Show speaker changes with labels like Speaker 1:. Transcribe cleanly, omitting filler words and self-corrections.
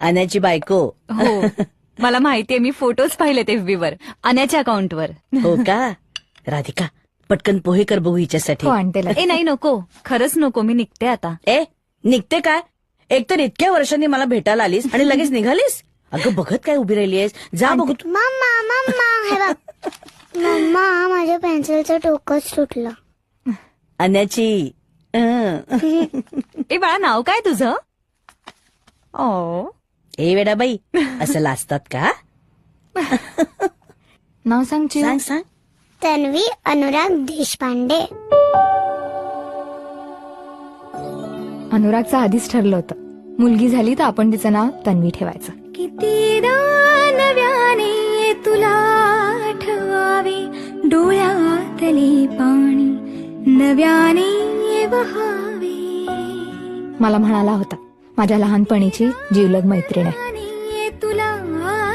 Speaker 1: अन्याची बायको.
Speaker 2: हो मला माहितीये, मी फोटोज पाहिलेत FB वर अन्याच्या अकाउंटवर.
Speaker 1: हो का? राधिका पटकन पोहे कर बघू हिच्यासाठी.
Speaker 3: हो आणते
Speaker 2: ए नाही नको, खरंच नको, मी निघते आता.
Speaker 1: ए निघते काय? एकतर इतक्या वर्षांनी मला भेटायला आलीस आणि लगेच निघालीस. अगं बघत काय उभी राहिलीयस? जा बघू तू.
Speaker 4: मम्मा मम्मा हे बघ. मम्मा माझ्या पेन्सिलचं टोकच सुटलं.
Speaker 1: अन्याची
Speaker 2: ए बाळा, नाव काय तुझं? ओ
Speaker 1: ए वेडाबाई, असं लाजतात का?
Speaker 3: नाव सांग चिऊ.
Speaker 1: सांग सांग.
Speaker 4: तन्वी अनुराग देशपांडे.
Speaker 3: अनुरागचं आधीच ठरलं होतं, मुलगी झाली तर आपण तिचं नाव तन्वी ठेवायचं.
Speaker 2: कितीदा नव्याने तुला आठवावे, डोळ्यातले पाणी नव्याने वहावे.
Speaker 3: मला म्हणाला होता, माझ्या लहानपणीची जीवलग मैत्रीण आहे.
Speaker 2: तुला